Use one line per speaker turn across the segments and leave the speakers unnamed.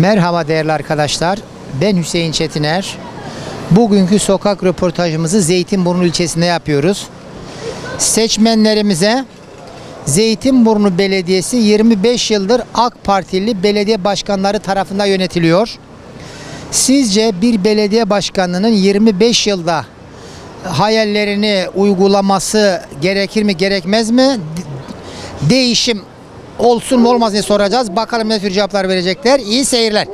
Merhaba değerli arkadaşlar. Ben Hüseyin Çetiner. Bugünkü sokak röportajımızı Zeytinburnu ilçesinde yapıyoruz. Seçmenlerimize Zeytinburnu Belediyesi 25 yıldır AK Partili belediye başkanları tarafından yönetiliyor. Sizce bir belediye başkanının 25 yılda hayallerini uygulaması gerekir mi gerekmez mi? Değişim olsun mu olmaz diye soracağız. Bakalım ne tür cevaplar verecekler. İyi seyirler.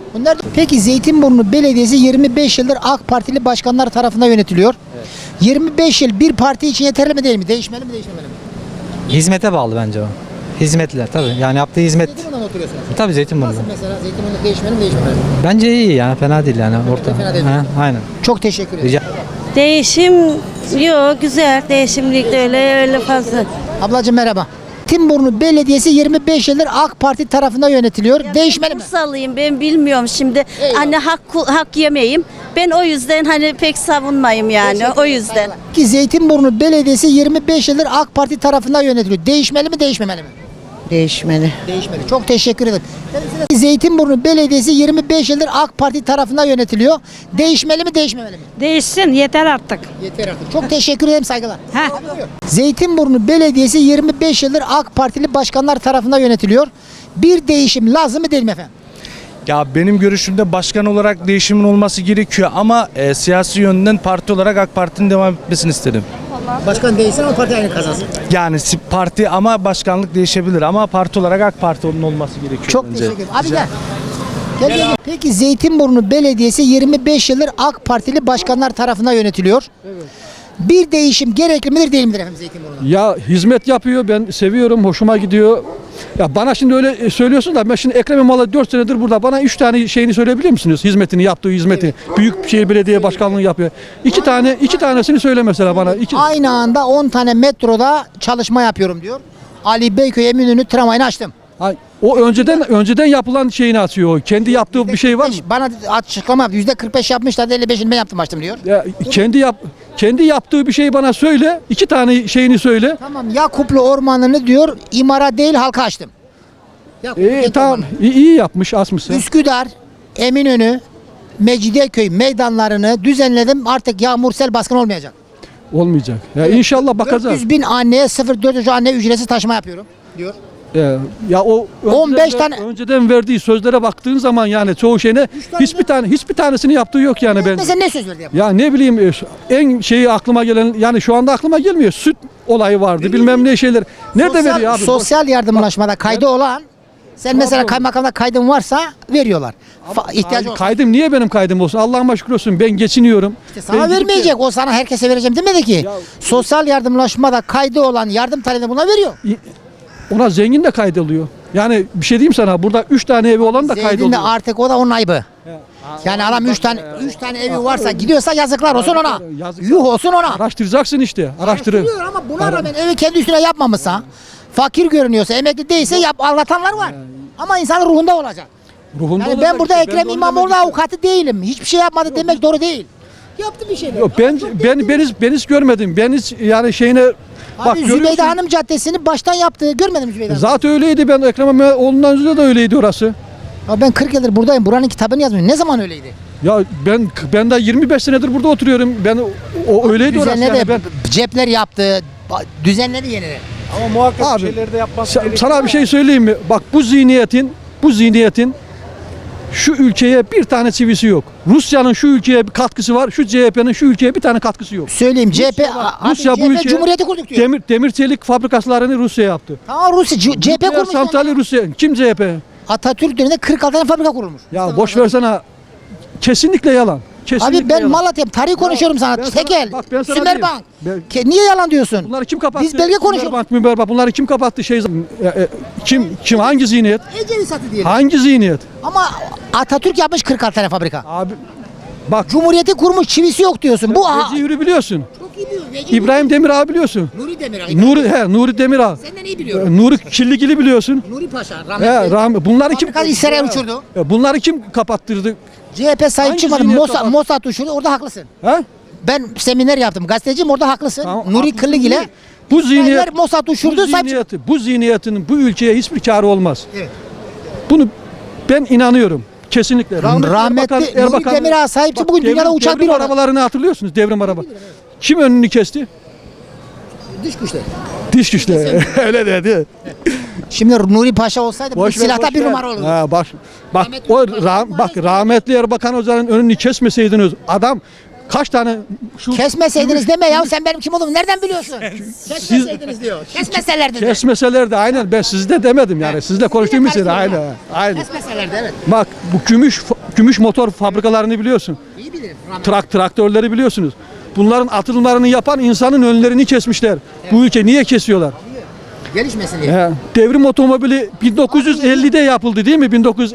Peki Zeytinburnu Belediyesi 25 yıldır AK Partili başkanlar tarafından yönetiliyor. Evet. 25 yıl bir parti için yeterli mi değil mi? Değişmeli mi değişmemeli mi?
Hizmete bağlı bence o. Hizmetler tabii. Yani yaptığı hizmet.
Zeytinburnu'ndan oturuyorsunuz.
Tabii Zeytinburnu.
Nasıl mesela Zeytinburnu değişmeli mi değişmemeli mi?
Bence iyi yani fena değil yani orta.
Fena değil.
Aynen.
Çok teşekkür ederim.
Rica.
Değişim yok, güzel. Değişimlik de öyle fazla.
Ablacığım merhaba. Zeytinburnu Belediyesi 25 yıldır AK Parti tarafından yönetiliyor. Değişmeli mi?
Bursalıyım, ben bilmiyorum şimdi.
Eyvallah.
Hani hak yemeyim. Ben o yüzden hani pek savunmayım yani. O yüzden.
Ki Zeytinburnu Belediyesi 25 yıldır AK Parti tarafından yönetiliyor. Değişmeli mi değişmemeli mi?
Değişmeli.
Değişmeli. Çok teşekkür ederim. Zeytinburnu Belediyesi 25 yıldır AK Parti tarafından yönetiliyor. Değişmeli mi değişmemeli mi?
Değişsin yeter artık.
Yeter artık. Çok teşekkür ederim, saygılar.
Heh.
Zeytinburnu Belediyesi 25 yıldır AK Partili başkanlar tarafından yönetiliyor. Bir değişim lazım mı değil mi efendim?
Ya benim görüşümde başkan olarak değişimin olması gerekiyor ama siyasi yönden parti olarak AK Parti'nin devam etmesini isterim.
Başkan değilsin ama parti aynı kazansın.
Yani parti ama başkanlık değişebilir ama parti olarak AK Parti'nin olması gerekiyor
Çok
bence.
teşekkür ederim. Abi gel. Gel. Peki Zeytinburnu Belediyesi 25 yıldır AK Partili başkanlar tarafından yönetiliyor. Evet. Bir değişim gerekli midir değil midir efendim Zeytinburnu'da?
Ya hizmet yapıyor, ben seviyorum, hoşuma gidiyor. Ya bana şimdi öyle söylüyorsun da ben şimdi Ekrem İmamoğlu 4 senedir burada. Bana 3 tane şeyini söyleyebilir misiniz? Hizmetini, yaptığı hizmeti. Evet. Büyükşehir Belediye Başkanlığı yapıyor. İki tanesini söyle mesela bana.
Aynı anda 10 tane metroda çalışma yapıyorum diyor. Ali Beyköy Eminönü tramvayını açtım.
O önceden yapılan şeyini atıyor. Kendi yaptığı bir şey var mı?
Bana açıklama yaptı. %45 yapmışlar, 55'ini ben yaptım açtım diyor.
Ya, kendi yaptığı bir şey bana söyle. 2 tane şeyini söyle.
Tamam, Yakuplu Ormanı'nı diyor imara değil halka açtım.
Tamam, iyi yapmış, asmışsın.
Üsküdar, Eminönü, Mecidiyeköy meydanlarını düzenledim. Artık yağmur sel baskın olmayacak.
Olmayacak. Ya inşallah bakacağız.
400.000 anneye 0,4 anne ücretsiz taşıma yapıyorum diyor.
Ya o
15 tane
önceden verdiği sözlere baktığın zaman yani çoğu şeyine hiçbir tanesini yaptığı yok yani ben.
Mesela ne söz verdi?
Ya ne bileyim en şeyi aklıma gelen yani şu anda aklıma gelmiyor. Süt olayı vardı. Bilmem ne şeyler. Nerede veriyor abi?
Sosyal yardımlaşmada kaydı olan sen mesela kaymakamda kaydın varsa veriyorlar. İhtiyacı olsa.
Kaydım niye benim kaydım olsun? Allah'ıma şükür olsun. Ben geçiniyorum.
Sana vermeyecek. O sana herkese vereceğim demedi ki. Sosyal yardımlaşmada kaydı olan yardım talebini buna veriyor.
Ona zengin de kaydoluyor. Yani bir şey diyeyim sana. Burada 3 tane evi olan da
Zengin
kaydoluyor.
de artık o da onun ayıbı. Yani adam 3 tane evi varsa gidiyorsa yazıklar olsun ona. Yuh olsun ona.
Araştıracaksın işte. Araştırıyor.
Ama buna rağmen evi kendi üstüne yapmamışsa, fakir görünüyorsa, emekli değilse anlatanlar var. Ama insanın ruhunda olacak.
Ruhunda
Yani
olacak
ben burada
işte.
Ekrem
de onu
İmamoğlu
demek
avukatı değilim. Hiçbir şey yapmadı demek doğru değil. Yaptı bir şeyler.
Yok, ben hiç görmedim. Ben hiç yani şeyine bak
Zübeyde
görüyorsun.
Hanım Caddesi'ni baştan yaptı. Görmedim Zübeyde Hanım.
Zaten öyleydi, ben Ekrem İmamoğlu'ndan önce de öyleydi orası.
Ya ben 40 yıldır buradayım. Buranın kitabını yazmıyorum. Ne zaman öyleydi?
Ya ben de 25 senedir burada oturuyorum. Ben o öyleydi orası
Düzenledi,
yani ben.
cepler yaptı. Düzenledi yeniden.
Ama muhakkak
Abi,
şeyleri de yapması gerekiyor.
sana bir şey söyleyeyim mi? Bak bu zihniyetin şu ülkeye bir tane çivisi yok. Rusya'nın şu ülkeye bir katkısı var. Şu CHP'nin şu ülkeye bir tane katkısı yok.
Söyleyeyim
Rusya bu ülkeye
Cumhuriyeti kurduk diyor.
demir çelik fabrikalarını Rusya yaptı.
Tamam Rusya CHP
Nükleer
kurmuş.
santrali Rusya. Kim CHP?
Atatürk döneminde 46 tane fabrika kurulmuş.
Ya boş versene. Kesinlikle yalan. Kesinlikle
Abi ben
yalan.
Malatya'm. Tarih konuşuyorum sana. Tekel.
Ben sana
Sümerbank.
diyeyim.
Niye yalan diyorsun?
Bunları kim kapattı?
Biz belge konuşuyoruz.
Müberbank. Bunları kim kapattı? Kim hangi zihniyet?
Ecevit satı diyelim.
Hangi zihniyet?
Ama Atatürk yapmış 46 tane fabrika.
Abi bak
Cumhuriyeti kurmuş, çivisi yok diyorsun. Bu
Veci Yürü biliyorsun.
çok iyi biliyor.
İbrahim Demirağ biliyorsun.
Nuri Demirağ.
Nuri Demirağ.
Senden iyi biliyorum.
Nuri Kirligili biliyorsun.
Nuri Paşa. Rahmetli.
Bunları kim
Fabrikayı İsrail'e uçurdu.
Bunları kim kapattırdı?
CHP sahip
Hangi
çıkmadı.
zihniyet kapat-
Mossad uçurdu. Orada haklısın.
Ha?
Ben seminer yaptım. Gazeteciyim, orada haklısın.
Tamam,
Nuri
haklısın
Kırlık ile
değil. Bu zihniyet
Mossad uçurdu. Sahip
bu zihniyetinin bu ülkeye hiçbir kârı olmaz.
Evet.
Bunu ben inanıyorum. Kesinlikle.
Rahmetli Nuri Demirağ sahipçi bugün dünyada uçak bir
devrim
araba.
arabalarını hatırlıyorsunuz, devrim araba. Kim önünü kesti?
Dış güçler.
Diş güçleri. Öyle dedi.
Şimdi Nuri Paşa olsaydı bu silahta bir numara olurdu.
Ha, bak
Rahmetli
o
Erbakan
bak rahmetli Erbakan Hoca'nın önünü kesmeseydiniz adam kaç tane şu
Kesmeseydiniz deme ya, sen benim kim olduğumu nereden biliyorsun? Kesmeseydiniz diyor. Kesmeselerdi de.
kesmeselerdi aynen, ben sizde demedim yani, sizle konuştuğum için aynen. Aynen.
Kesmeselerdi, evet.
Bak bu gümüş motor fabrikalarını biliyorsun.
İyi bilirim. Rahmetli.
Traktörleri biliyorsunuz. Bunların atılımlarını yapan insanın önlerini kesmişler. Bu ülke niye kesiyorlar?
Gelişmesin diye.
He, devrim otomobili 1950'de yapıldı değil mi?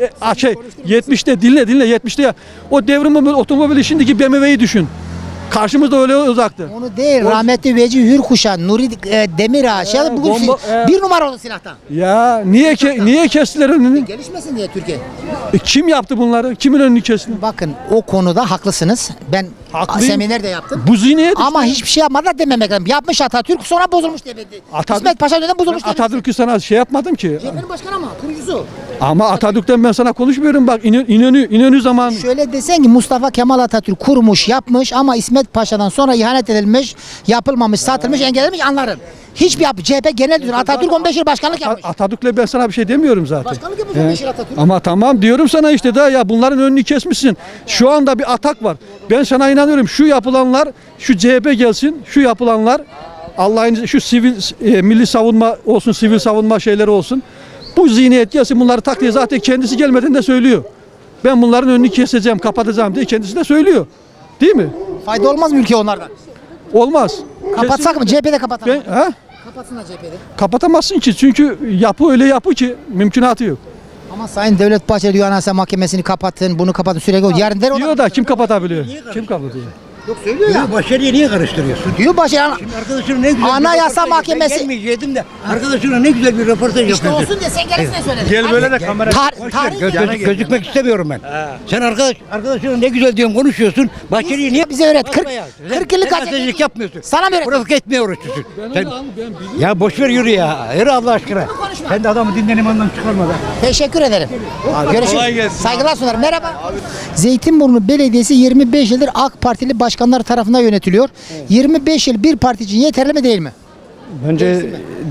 70'te dinle 70'te ya. O devrim otomobili şimdiki BMW'yi düşün. Karşımızda öyle uzaktı.
Onu değil, rahmetli Veci Hürkuşan, Nuri Demirağ, bugün bir numara oldu silahta.
Ya niye kestiler önünü?
Gelişmesin diye Türkiye.
Kim yaptı bunları? Kimin önünü kesti?
Bakın o konuda haklısınız. Ben
Haklıyım.
seminer de yaptım.
Bu zihniyet
Ama
işte.
hiçbir şey yapmadılar dememek lazım. Yapmış Atatürk, sonra bozulmuş dedi. İsmet Paşa dönem bozulmuş dedi.
Atatürk'ü sana şey yapmadım ki.
CHP'nin başkanı ama kurucusu.
Ama Atatürk'ten ben sana konuşmuyorum, bak İnönü zaman.
Şöyle desen ki Mustafa Kemal Atatürk kurmuş, yapmış ama İsmet Paşa'dan sonra ihanet edilmiş, yapılmamış, satılmış, engellenmiş anlarım. Hiçbir CHP genel düzen. Atatürk 15 yıl başkanlık yapmış.
Atatürk'le ben sana bir şey demiyorum zaten.
Başkanlık yapmış 15 yıl Atatürk.
Ama tamam diyorum sana işte da ya bunların önünü kesmişsin. Şu anda bir atak var. Ben sana inanıyorum, şu yapılanlar, şu CHP gelsin, şu yapılanlar Allah'ın izniyle şu milli savunma olsun, sivil savunma şeyleri olsun. Bu zihniyet gelsin, bunları tak diye zaten kendisi gelmeden de söylüyor. Ben bunların önünü keseceğim, kapatacağım diye kendisi de söylüyor. Değil mi?
Fayda olmaz mı ülke onlardan?
Olmaz.
Kapatsak mı? CHP'de kapatalım.
Ha?
Kapatsınlar CHP'de.
Kapatamazsın ki, çünkü yapı öyle yapı ki mümkünatı yok.
Ama Sayın Devlet Bahçeli diyor Anayasa Mahkemesi'ni kapatın, bunu kapatın sürekli. Yarın der o
Diyor da kim kapatabiliyor? Kim kapatıyor?
Yok söylüyor ya.
Başarıya niye karıştırıyorsun?
Diyor Bahçeli.
Arkadaşına ne güzel
Anayasa
bir röportaj
Mahkemesi-
Ben gelmeyecektim de arkadaşına ne güzel bir röportaj
İşte
yapıyorsun.
olsun diye sen gelirsin söyledin.
Gel böyle de kamera.
Gözükmek istemiyorum ben. Sen arkadaşına ne güzel diyorsun, konuşuyorsun. Başarıya niye
Bize öğret. 40
40
yıllık
gazetecilik yapmıyorsun.
Sana mı öğret?
Provoke etmeye uğraşıyorsun. Ya boş ver, yürü ya. Yürü Allah aşkına. Sen de adamı dinlenim anlam çıkarma da.
Teşekkür ederim.
Kolay
Görüşürüz.
gelsin.
Saygılar sunarım. Merhaba. Zeytinburnu Belediyesi 25 yıldır AK Partili başkanlar tarafından yönetiliyor. 25 yıl bir parti için yeterli mi değil mi?
Bence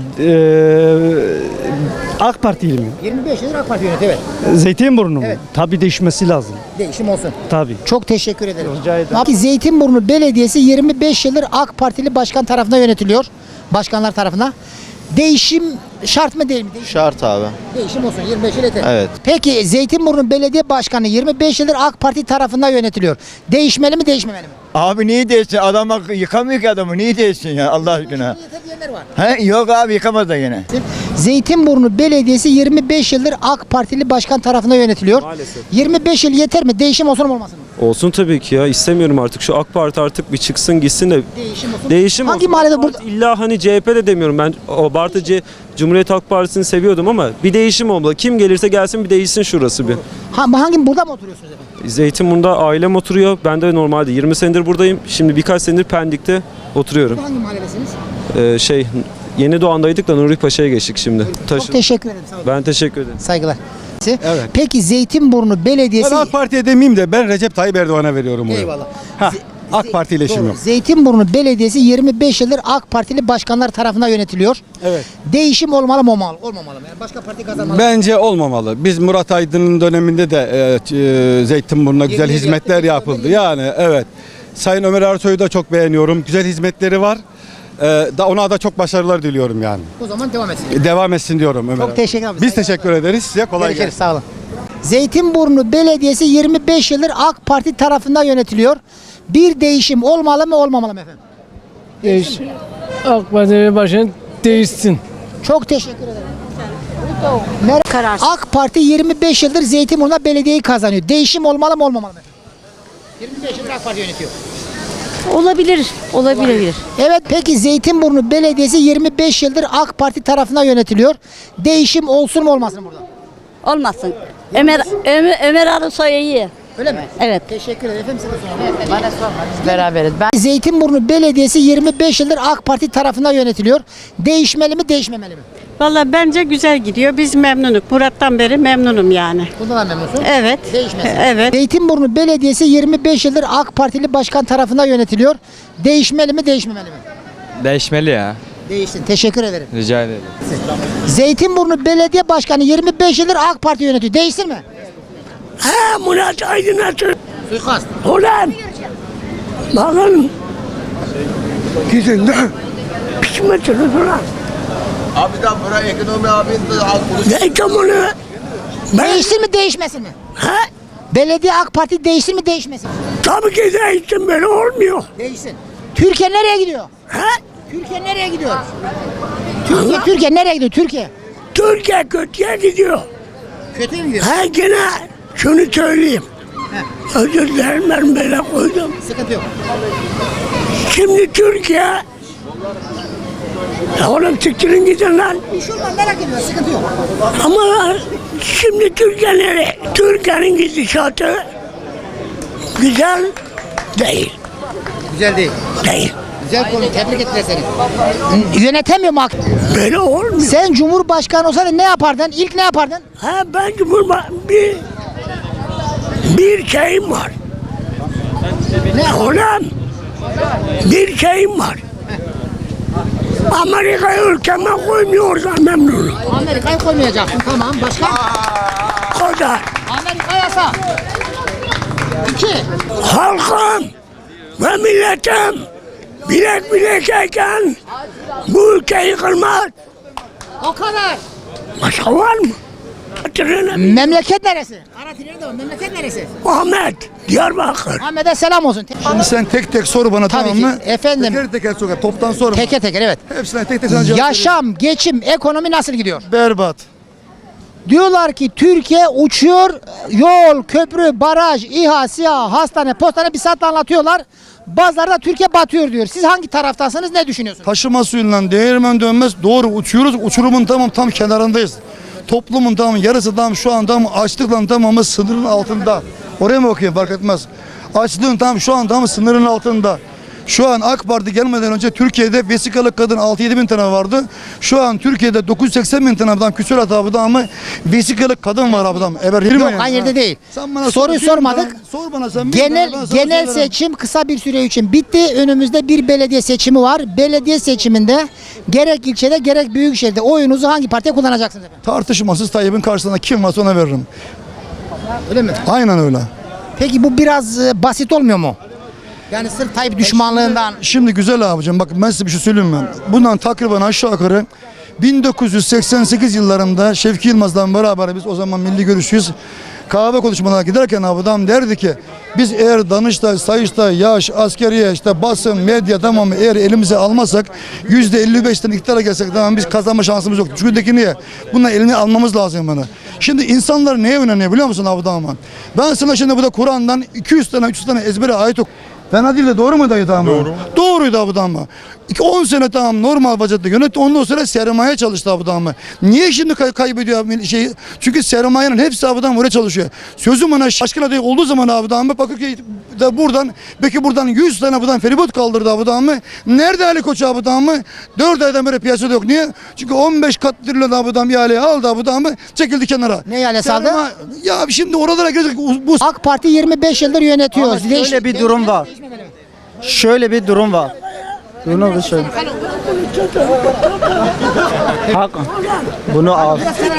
AK Partili mi?
25 yıldır AK Parti yönetiyor, evet.
Zeytinburnu mu?
Evet.
Tabii değişmesi lazım.
Değişim olsun.
Tabii.
Çok teşekkür ederim.
Rica ederim.
Peki Zeytinburnu Belediyesi 25 yıldır AK Partili başkan tarafından yönetiliyor. Başkanlar tarafından. Değişim şart mı değil mi?
Şart abi.
Değişim olsun, 25 yıl yeter.
Evet.
Peki Zeytinburnu Belediye Başkanı 25 yıldır AK Parti tarafından yönetiliyor. Değişmeli mi değişmemeli mi?
Abi niye değilsin? Adam yıkamıyor ki adamı. Niye değilsin ya Allah aşkına?
Yeter diyenler var.
He? Yok abi yıkamaz da yine.
Zeytinburnu Belediyesi 25 yıldır AK Partili başkan tarafından yönetiliyor.
Maalesef.
25 yıl yeter mi? Değişim olsun mu olmasın mı?
Olsun tabii ki ya. İstemiyorum artık. Şu AK Parti artık bir çıksın gitsin de
Değişim olsun.
değişim
Hangi
olsun.
mahallede
AK
burada?
Parti İlla hani CHP de demiyorum. Ben o Bartıcı Cumhuriyet Halk Partisi'ni seviyordum ama bir değişim olmalı. Kim gelirse gelsin bir değişsin şurası bir.
Hangi burada mı oturuyorsunuz efendim?
Zeytinburnu'nda ailem oturuyor. Ben de normalde 20 senedir buradayım. Şimdi birkaç senedir Pendik'te oturuyorum.
Hangi mahallesiniz?
Yeni Doğan'daydık da Nuri Paşa'ya geçtik şimdi.
Çok teşekkür ederim. Sağ olun.
Ben teşekkür ederim.
Saygılar. Peki Zeytinburnu Belediyesi...
Ben AK Parti'ye demeyeyim de ben Recep Tayyip Erdoğan'a veriyorum bunu.
Eyvallah.
AK Parti ile işim
Doğru.
yok.
Zeytinburnu Belediyesi 25 yıldır AK Partili başkanlar tarafından yönetiliyor.
Evet.
Değişim olmalı mı olmamalı? Olmamalı mı? Yani başka parti kazanmalı mı?
Bence olmamalı. Biz Murat Aydın'ın döneminde de Zeytinburnu'na güzel
yıl
hizmetler
yaptı,
yapıldı. Yani evet. Sayın Ömer Ersoy'u da çok beğeniyorum. Güzel hizmetleri var. Ona da çok başarılar diliyorum yani.
O zaman devam etsin.
Devam etsin diyorum Ömer.
Çok teşekkür ederim.
Biz teşekkür ederiz. Size kolay
Görüşürüz.
gelsin.
Sağ olun. Zeytinburnu Belediyesi 25 yıldır AK Parti tarafından yönetiliyor. Bir değişim olmalı mı olmamalı mı efendim?
AK Parti başkanı değişsin.
Çok teşekkür ederim. AK Parti 25 yıldır Zeytinburnu'na belediyeyi kazanıyor. Değişim olmalı mı olmamalı mı efendim? 25 yıldır AK Parti yönetiyor.
Olabilir.
Evet, peki Zeytinburnu Belediyesi 25 yıldır AK Parti tarafından yönetiliyor. Değişim olsun mu olmasın mı burada?
Olmasın. Ömer Arısoy iyi.
Öyle mi?
Evet.
Teşekkür ederim. Efendim size soralım.
Beraberiz.
Zeytinburnu Belediyesi 25 yıldır AK Parti tarafından yönetiliyor. Değişmeli mi değişmemeli mi?
Valla bence güzel gidiyor. Biz memnunuk. Murat'tan beri memnunum yani.
Bundan da memnunsun.
Evet.
Değişmesin.
Evet.
Zeytinburnu Belediyesi 25 yıldır AK Partili başkan tarafından yönetiliyor. Değişmeli mi, değişmemeli mi?
Değişmeli ya.
Değişsin. Teşekkür ederim.
Rica ederim.
Zeytinburnu Belediye Başkanı 25 yıldır AK Parti yönetiyor. Değişsin mi?
Ha Murat Aydınat'ın.
Suikast.
Ulan. Bakın. Gidin de. Pişmesiniz ulan.
Abi da bura ekonomi abi
Ne ekonomi? Ben
Değişsin mi, değişmesin mi?
ha?
Belediye AK Parti değişsin mi, değişmesin mi?
Tabii ki değiştim böyle olmuyor.
Değişsin. Türkiye nereye gidiyor?
Ha?
Türkiye nereye gidiyor? Türkiye nereye gidiyor? Türkiye.
Türkiye kötüye gidiyor.
Kötü mü gidiyor?
Ha gene şunu söyleyeyim. Özür dilerim ben böyle koydum.
Sıkıntı yok.
Şimdi Türkiye ya oğlum siktirin gidin lan.
Bir şey olmaz, merak etme, sıkıntı yok.
Ama şimdi Türkiye nereye? Türkiye'nin gidişatı güzel değil.
Güzel değil.
Değil.
Güzel konu, tebrik ettiler seni. Yönetemiyor mu?
Böyle olmuyor.
Sen Cumhurbaşkanı olsaydın ne yapardın? İlk ne yapardın?
Ha ben bir şeyim var. Ne oğlum? Bir şeyim var. Amerika'yı ülkeme koymuyorsan memnunum.
Amerika'yı koymayacaksın, tamam. Başka?
O kadar.
Amerika yasa. 2.
Halkım ve milletim bilek bilekeyken bu ülke yıkılmaz.
O kadar.
Başka var mı? Hatırlayın.
Memleket neresi? Karatinleri de var. Memleket neresi?
Ahmet, Diyarbakır.
Ahmet'e selam olsun.
Şimdi sen tek tek sor bana,
Tabii
tamam
ki.
mı?
Efendim.
Teker teker sor. Toptan sorma.
Teker teker, evet.
Hepsine tek tek sana cevap
Yaşam, geçim, ekonomi nasıl gidiyor?
vereyim. Berbat.
Diyorlar ki Türkiye uçuyor, yol, köprü, baraj, İHA, SİHA, hastane, postane bir saatte anlatıyorlar. Bazıları da Türkiye batıyor diyor. Siz hangi taraftasınız, ne düşünüyorsunuz?
Taşıma suyundan değirmen dönmez. Doğru uçuyoruz. Uçurumun tam kenarındayız. Toplumun yarısı şu an açlıkla tamamı sınırın altında. Oraya mı bakayım fark etmez. Açlığın şu an sınırın altında. Şu an AK Parti gelmeden önce Türkiye'de vesikalık kadın 6-7 bin tane vardı. Şu an Türkiye'de 980 bin tane adam küsur atabıda ama vesikalık kadın var ablam.
Yok, aynı yerde değil. Soruyu sormadık.
Sor bana sen.
Genel seçim kısa bir süre için bitti. Önümüzde bir belediye seçimi var. Belediye seçiminde gerek ilçede gerek büyükşehirde oyunuzu hangi partiye kullanacaksınız efendim?
Tartışmasız Tayyip'in karşısında kim varsa ona veririm.
Öyle mi?
Aynen öyle.
Peki bu biraz basit olmuyor mu? Yani sırf Tayyip düşmanlığından.
Şimdi güzel abicim, bak ben size bir şey söyleyeyim ben. Bundan takriben aşağı yukarı 1988 yıllarında Şevki Yılmaz'la beraber biz o zaman milli görüşüyüz. Kahve konuşmalarına giderken adam derdi ki biz eğer Danıştay, Sayıştay, yaş, askeriye, basın, medya tamamı eğer elimize almazsak %55'ten iktidara gelsek tamam biz kazanma şansımız yok. Çünkü niye? Bunlar elini almamız lazım bana. Şimdi insanlar neye önemli biliyor musun Abu Dağman? Ben sana şimdi burada Kur'an'dan 200 tane 300 tane ezbere ayet ok. Fena değil de doğru mu dayı tamam? Doğru. Doğruydu Abu Dağman. 10 sene tamam normal vaziyette yönetti. Ondan sonra sermaye çalıştı Abu Dağman. Niye şimdi kaybediyor şeyi? Çünkü sermayenin hepsi Abu Dağman oraya çalışıyor. Sözüm ona aşkın adayı olduğu zaman Abu Dağman Bakırköy de buradan 100 tane buradan feribot kaldırdı Abu Dağman. Nerede Ali Koç Abu Dağman? 4 aydan beri piyasada yok. Niye? Çünkü 15 kat trilyon Abu Dağman ihaleyi aldı Abu Dağman çekildi kenara.
Ne ihalesi aldı?
Ya şimdi oralara girecek bu
AK Parti 25 yıldır yönetiyor.
Ama şöyle bir durum var. Şöyle bir durum var. Bunu bir söyle. Hak. Bunu al.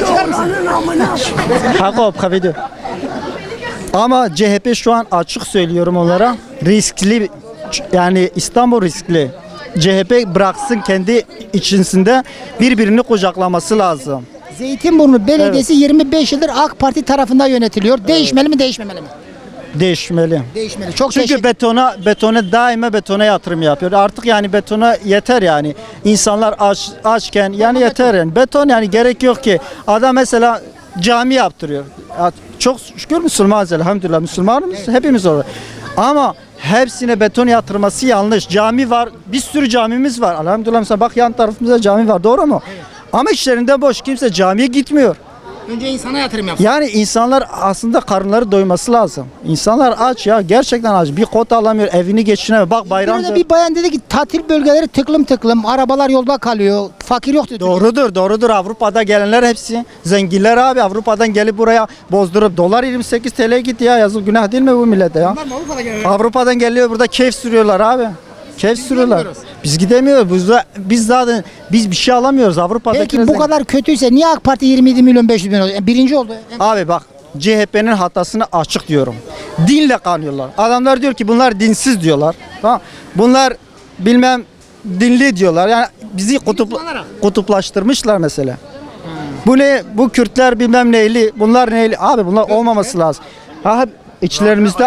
Hak o kabul. Ama CHP şu an açık söylüyorum onlara riskli, yani İstanbul riskli. CHP bıraksın kendi içerisinde birbirini kucaklaması lazım.
Zeytinburnu Belediyesi 25 yıldır AK Parti tarafından yönetiliyor. Değişmeli mi, değişmemeli mi?
Değişmeli.
Değişmeli. Çok
Çünkü betona daima betona yatırım yapıyor. Artık yani betona yeter yani. İnsanlar açken yani yeter yani. Beton yani gerek yok ki. Adam mesela cami yaptırıyor. Çok şükür Müslümanız elhamdülillah. Müslümanız hepimiz orada. Ama hepsine beton yatırması yanlış. Cami var. Bir sürü camimiz var. Elhamdülillah mesela bak yan tarafımızda cami var. Doğru mu? Evet. Ama işlerinde boş. Kimse camiye gitmiyor.
Önce insana yatırım yapsın.
Yani insanlar aslında karınları doyması lazım. İnsanlar aç ya, gerçekten aç. Bir kot alamıyor, evini geçinemiyor. Bak bayramda.
Burada bir bayan dedi ki tatil bölgeleri tıklım tıklım, arabalar yolda kalıyor, fakir yok dedi.
Doğrudur. Avrupa'da gelenler hepsi zenginler abi. Avrupa'dan gelip buraya bozdurup dolar 28 TL gitti ya. Yazık, günah değil mi bu millete ya? Avrupa'dan geliyor, burada keyif sürüyorlar abi. Keyif sürüyorlar. Biz gidemiyoruz. Biz zaten bir şey alamıyoruz Avrupa'daki.
Peki bu kadar kötüyse niye AK Parti 27 milyon 500 bin oldu? Birinci oldu.
Abi bak, CHP'nin hatasını açık diyorum. Dinle kanıyorlar. Adamlar diyor ki bunlar dinsiz diyorlar. Tamam. Bunlar bilmem dinli diyorlar. Yani bizi kutuplaştırmışlar mesela. Bu ne? Bu Kürtler bilmem neyli, bunlar neyli. Abi bunlar olmaması lazım. Ha, içlerimizde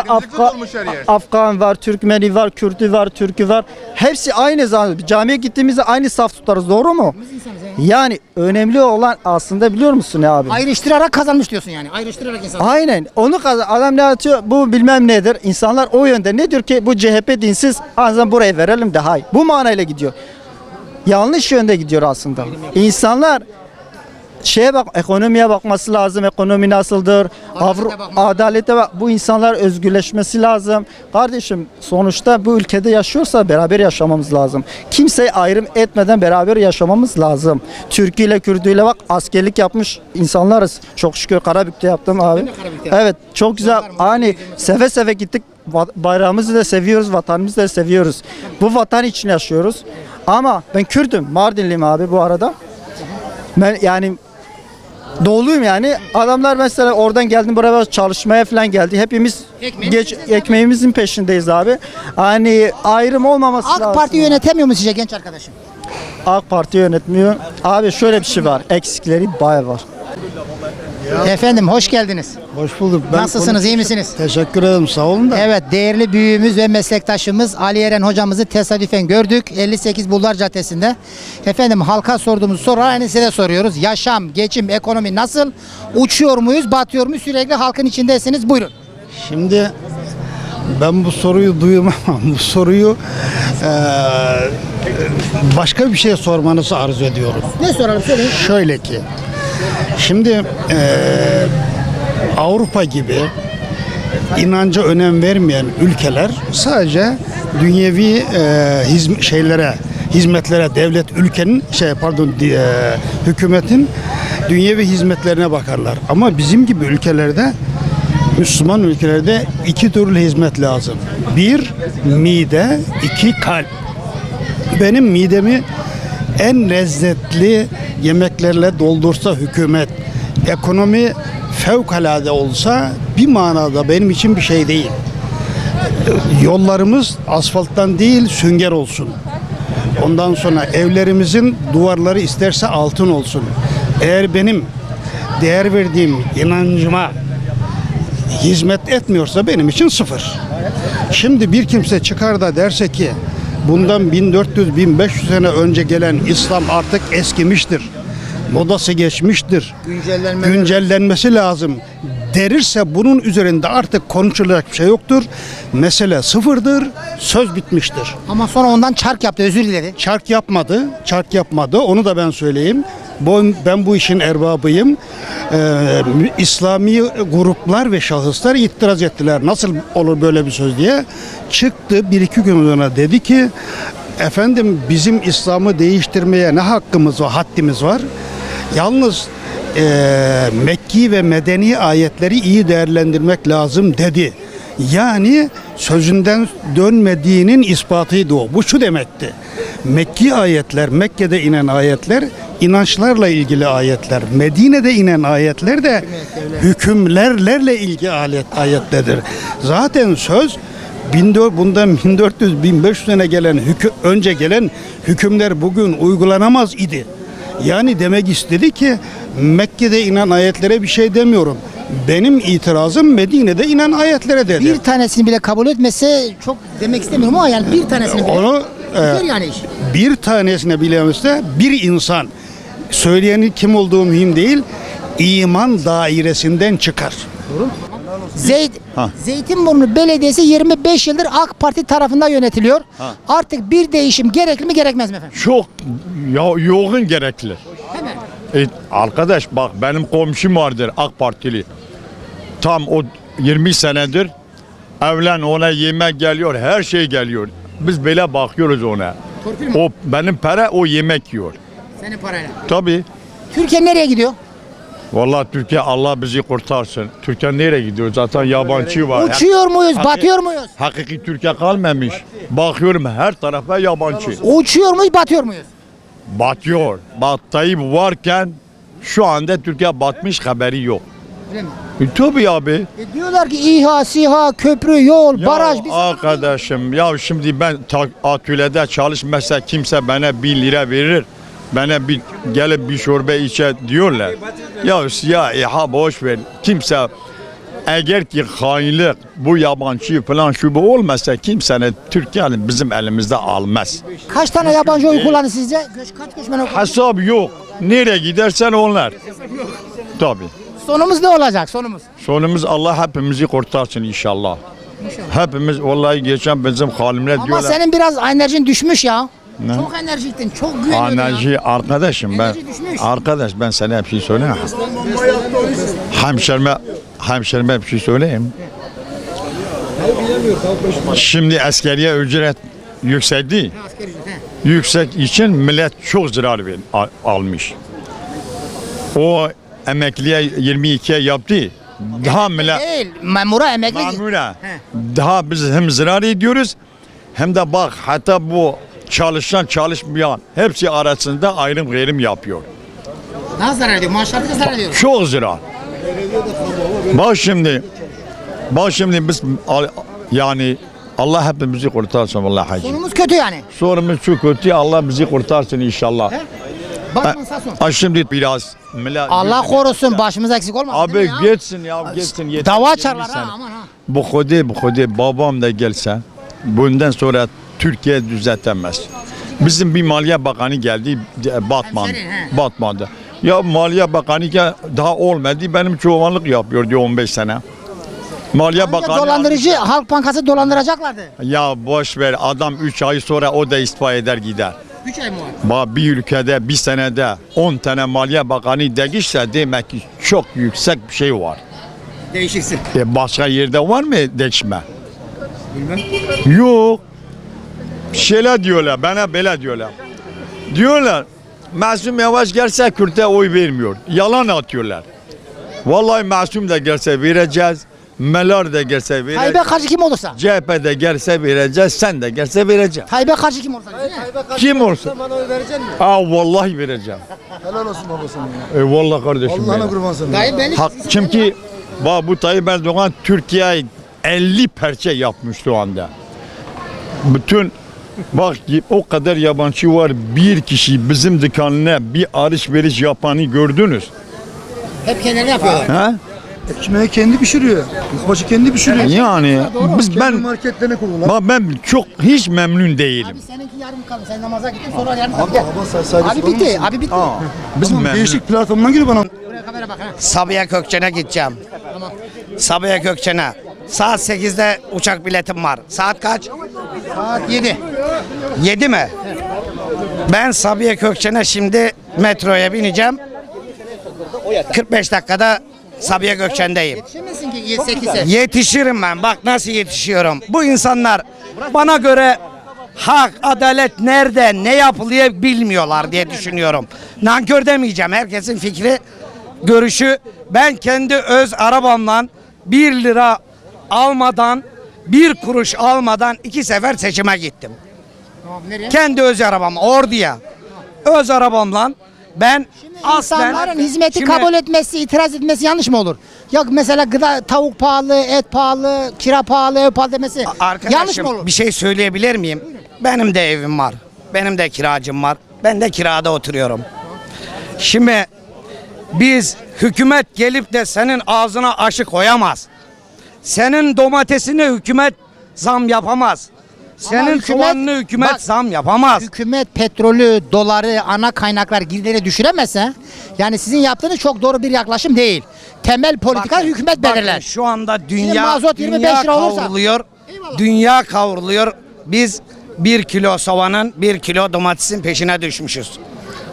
Afgan var, Türkmeni var, Kürtü var, Türkü var. Hepsi aynı zaman. Camiye gittiğimizde aynı saf tutarız. Doğru mu? Yani önemli olan aslında biliyor musun ya abi?
Ayrıştırarak kazanmış diyorsun yani. Ayrıştırarak insan.
Aynen. Onu adam ne atıyor? Bu bilmem nedir. İnsanlar o yönde. Ne diyor ki bu CHP dinsiz. Azından buraya verelim de hayır. Bu manayla gidiyor. Yanlış yönde gidiyor aslında. İnsanlar şeye bak, ekonomiye bakması lazım. Ekonomi nasıldır? Adalete bak. Bu insanlar özgürleşmesi lazım. Kardeşim sonuçta bu ülkede yaşıyorsa beraber yaşamamız lazım. Kimseyi ayrım etmeden beraber yaşamamız lazım. Türkü ile Kürdü ile bak, askerlik yapmış insanlarız. Çok şükür Karabük'te yaptım abi. Evet, çok güzel. Hani seve seve gittik. Bayrağımızı da seviyoruz, vatanımızı da seviyoruz. Bu vatan için yaşıyoruz. Ama ben Kürdüm, Mardinliyim abi bu arada. Ben yani doğuluyum yani. Adamlar mesela oradan geldim buraya çalışmaya falan geldi. Hepimiz ekmeğimizin peşindeyiz abi. Hani ayrım olmaması lazım.
AK Parti yönetemiyor mu sizce genç arkadaşım?
AK Parti yönetmiyor. Abi şöyle bir şey var. Eksikleri bayağı var.
Efendim hoş geldiniz.
Hoş bulduk.
Nasılsınız, iyi misiniz?
Teşekkür ederim, sağ olun da.
Evet, değerli büyüğümüz ve meslektaşımız Ali Eren hocamızı tesadüfen gördük. 58 Bulvar Caddesi'nde. Efendim halka sorduğumuz sorular aynı size de soruyoruz. Yaşam, geçim, ekonomi nasıl? Uçuyor muyuz, batıyor muyuz? Sürekli halkın içindesiniz. Buyurun.
Şimdi ben bu soruyu duyamam. Bu soruyu başka bir şey sormanızı arzu ediyorum.
Ne soralım söyleyin.
Şöyle ki, şimdi Avrupa gibi inanca önem vermeyen ülkeler sadece dünyevi hizmetlere, devlet ülkenin hükümetin dünyevi hizmetlerine bakarlar. Ama bizim gibi ülkelerde, Müslüman ülkelerde iki türlü hizmet lazım. Bir, mide, iki, kalp. Benim midemi en lezzetli yemeklerle doldursa hükümet, ekonomi fevkalade olsa bir manada benim için bir şey değil. Yollarımız asfalttan değil sünger olsun. Ondan sonra evlerimizin duvarları isterse altın olsun. Eğer benim değer verdiğim inancıma hizmet etmiyorsa benim için sıfır. Şimdi bir kimse çıkar da derse ki bundan 1400-1500 sene önce gelen İslam artık eskimiştir, modası geçmiştir, güncellenmesi lazım derirse bunun üzerinde artık konuşulacak bir şey yoktur. Mesele sıfırdır, söz bitmiştir.
Ama sonra ondan çark yaptı, özür diledi.
Çark yapmadı, onu da ben söyleyeyim. Ben bu işin erbabıyım. İslami gruplar ve şahıslar itiraz ettiler. Nasıl olur böyle bir söz diye. Çıktı bir iki gün sonra dedi ki efendim bizim İslam'ı değiştirmeye ne hakkımız var, haddimiz var. Yalnız Mekki ve Medeni ayetleri iyi değerlendirmek lazım dedi. Yani sözünden dönmediğinin ispatıydı o. Bu şu demekti. Mekki ayetler, Mekke'de inen ayetler inançlarla ilgili ayetler. Medine'de inen ayetler de hükümlerle ilgili ayetlerdir. Zaten söz bundan 1400-1500 sene önce gelen hükümler bugün uygulanamaz idi. Yani demek istedi ki Mekke'de inen ayetlere bir şey demiyorum. Benim itirazım Medine'de inen ayetlere dedi.
Bir tanesini bile kabul etmese çok demek istemiyorum ama yani bir tanesini bile.
Onu
yani iş.
bir tanesine bilemezse bir insan, söyleyenin kim olduğu mühim değil, iman dairesinden çıkar.
Doğru mu? Zeytinburnu Belediyesi 25 yıldır AK Parti tarafından yönetiliyor. Artık bir değişim gerekli mi gerekmez mi efendim?
Çok yoğun gerekli.
Hemen.
Arkadaş bak benim komşum vardır AK Partili. Tam o 20 senedir evlen ona yemek geliyor, her şey geliyor. Biz böyle bakıyoruz ona. O benim para, o yemek yiyor.
Senin parayla.
Tabii.
Türkiye nereye gidiyor?
Vallahi Türkiye Allah bizi kurtarsın. Türkiye nereye gidiyor? Zaten yabancı var.
Uçuyor muyuz, batıyor muyuz?
Hakiki Türkiye kalmamış. Bakıyorum her tarafa yabancı.
Uçuyor muyuz, batıyor muyuz?
Batıyor. Tayyip varken şu anda Türkiye batmış, haberi yok.
Öyle mi?
Tabii abi.
Diyorlar ki İHA, SİHA, köprü, yol, baraj.
Ya arkadaşım ya şimdi ben atölyede çalışmasa kimse bana 1 lira verir. Bana bir gelip bir çorba içe diyorlar. Ya İHA boş ver. Kimse eğer ki hainlik bu yabancı falan şu bu olmasa kimsenin Türkiye'nin bizim elimizde almaz.
Kaç tane yabancı oy kullandı sizce? Kaç göçmen oy kullandı?
Hesap yok. Nereye gidersen onlar. Tabii.
Sonumuz ne olacak sonumuz?
Sonumuz Allah hepimizi kurtarsın inşallah. Hepimiz vallahi geçen bizim halimle
Ama
diyorlar.
senin biraz enerjin düşmüş ya.
Ne?
Çok enerjiktin, çok güveniyordun ya.
Enerji arkadaşım ben.
Enerji düşmüş.
Arkadaş ben sana bir şey söyleyeyim. Hemşerime bir şey söyleyeyim. Şimdi askeriye ücret yükseldi. Yüksek için millet çok zarar almış. O emekliye 22'ye yaptı. Daha millet
Değil, memura emekli.
mamura. Daha biz hem zarar ediyoruz hem de bak hatta bu çalışan çalışmayan hepsi arasında ayrım gayrım yapıyor.
Nasıl zarar ediyor? Maaşları zarar ediyor.
Çok zarar. Bak şimdi biz yani Allah hepimizi kurtarsın vallahi hacı.
Sonumuz kötü yani.
Sorumuz çok kötü, Allah bizi kurtarsın inşallah.
Bakın sağ son.
Şimdi biraz millet
Allah korusun başımız eksik olmasın. değil
abi
mi ya?
geçsin ya geçsin.
Dava
20
açarlar
sene.
ha aman ha.
Bu kode babam da gelse bundan sonra Türkiye düzeltemez. Bizim bir Maliye Bakanı geldi Batman.
Hemşerin, he.
Batman'da. Ya Maliye Bakanı daha olmadı benim çobanlık yapıyor diyor 15 sene. Maliye Bakanı
Dolandırıcı Halk Bankası dolandıracaklardı.
ya boş ver adam 3 ay sonra o da istifa eder gider.
3 ay mı var?
Bir ülkede bir senede 10 tane Maliye Bakanı değişse demek ki çok yüksek bir şey var.
Değişiksin.
Başka yerde var mı değişme? Bilmem. Yok. Şeyler diyorlar, bana böyle diyorlar. Diyorlar, Masum Yavaş gelse Kürt'e oy vermiyor. Yalan atıyorlar. Vallahi Masum da gelse vereceğiz. Melar da gelse vereceğiz.
Tayyip'e karşı kim olursa.
CHP de gelse vereceğiz, sen de gelse vereceğiz.
Tayyip'e karşı kim olursa.
Kim olsa?
Bana oy verecek misin?
Vallahi vereceğim.
Helal olsun babasına.
Vallahi kardeşim.
Allah'ına
benim.
kurban sana.
Tayyip belli.
Çünkü bu Tayyip Erdoğan Türkiye'ye 50 parça yapmış şu anda. Bütün bak o kadar yabancı var, bir kişi bizim dükkanına bir alışveriş yapanı gördünüz.
Hep kendileri yapıyorlar.
Ha?
Ekmeği kendi pişiriyor. Başı kendi pişiriyor.
Yani
Kendi
ben
marketlerine kurdular.
ben çok hiç memnun değilim.
Abi seninki yarım kaldı. Sen namaza gittin sonra yarım kaldı. Gel.
Abi
Abi bitti. Abi bitti.
Biz
Tamam,
memnun.
değişik platformdan giriyor bana.
Buraya kamera bak ha.
Sabiha Gökçen'e gideceğim. Sabiha Gökçen'e. Saat 8'de uçak biletim var. Saat kaç?
Saat 7.
7 mi? Ben Sabiha Gökçen'e şimdi metroya bineceğim. 45 dakikada Sabiha Gökçen'deyim.
Yetişemezsin ki 8'e.
Yetişirim ben. Bak nasıl yetişiyorum. Bu insanlar bana göre hak, adalet nerede, ne yapılıyor bilmiyorlar diye düşünüyorum. Nankör demeyeceğim. Herkesin fikri, görüşü. Ben kendi öz arabamla 1 lira almadan, 1 kuruş almadan 2 sefer seçime gittim.
Tamam nereye?
Kendi öz arabam, Ordu'ya. Öz arabamla ben
İnsanların hizmeti
Şimdi-
kabul etmesi, itiraz etmesi yanlış mı olur? Yok mesela gıda, tavuk pahalı, et pahalı, kira pahalı, ev pahalı demesi yanlış
Arkadaşım
mı olur?
bir şey söyleyebilir miyim? Benim de evim var. Benim de kiracım var. Ben de kirada oturuyorum. Şimdi biz hükümet gelip de senin ağzına aşı koyamaz. Senin domatesine hükümet zam yapamaz. Senin
hükümet-
soğanını hükümet
bak-
zam yapamaz.
Hükümet petrolü, doları, ana kaynaklar giderleri düşüremezse yani sizin yaptığınız çok doğru bir yaklaşım değil. Temel politika
Bakın,
hükümet
bakın,
belirler.
Şu anda
Şimdi
dünya,
mazot 25
dünya
lira olursa-
kavruluyor. Dünya kavruluyor. Biz 1 kilo soğanın, 1 kilo domatesin peşine düşmüşüz.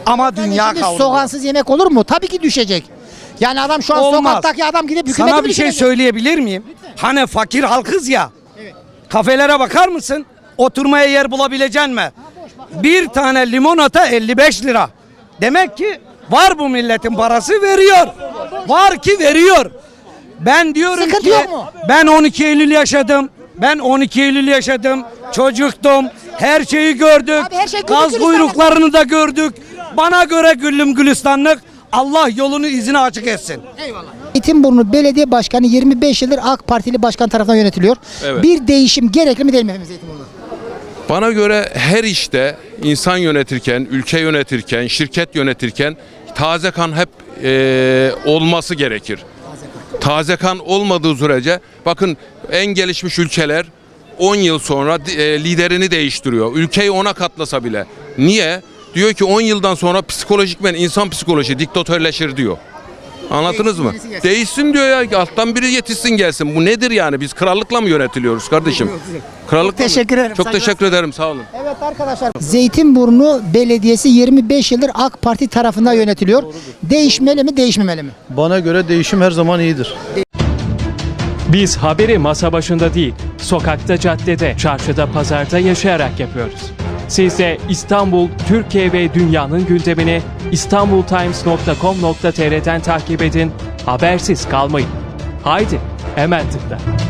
Ama dünya
Şimdi
kavruluyor.
soğansız yemek olur mu? Tabii ki düşecek. Yani adam şu an
Olmaz.
sokaktaki adam gidip hükümeti
Sana bir şey
bitirecek.
söyleyebilir miyim? Hani fakir halkız ya. Kafelere bakar mısın? Oturmaya yer bulabilecek mi? Bir tane limonata 55 lira. Demek ki var bu milletin parası veriyor. Var ki veriyor. Ben diyorum
Sıkıntı
ki
yok mu?
ben 12 Eylül yaşadım. Ben 12 Eylül yaşadım. Çocuktum. Her şeyi gördük.
Abi her şey güllük
Gaz
gülistanlık.
kuyruklarını da gördük. Bana göre güllüm gülistanlık. Allah yolunu izini açık etsin.
Zeytinburnu Belediye Başkanı 25 yıldır AK Partili başkan tarafından yönetiliyor.
Evet.
Bir değişim gerekli mi değil mi efendim Zeytinburnu'da?
Bana göre her işte insan yönetirken, ülke yönetirken, şirket yönetirken taze kan hep olması gerekir. Taze kan olmadığı sürece bakın en gelişmiş ülkeler 10 yıl sonra liderini değiştiriyor. Ülkeyi ona katlasa bile. Niye? Diyor ki 10 yıldan sonra psikolojikmen insan psikoloji diktatörleşir diyor. Anladınız mı? Değişsin diyor ya. Alttan biri yetişsin gelsin. Bu nedir yani? Biz krallıkla mı yönetiliyoruz kardeşim? Krallıkla mı?
Teşekkür ederim.
Çok teşekkür ederim. Sağ olun.
Evet arkadaşlar. Zeytinburnu Belediyesi 25 yıldır AK Parti tarafından yönetiliyor. Değişmeli mi, değişmemeli mi?
Bana göre değişim her zaman iyidir.
Biz haberi masa başında değil, sokakta, caddede, çarşıda, pazarda yaşayarak yapıyoruz. Siz de İstanbul, Türkiye ve dünyanın gündemini istanbultimes.com.tr'den takip edin, habersiz kalmayın. Haydi, hemen tıkla.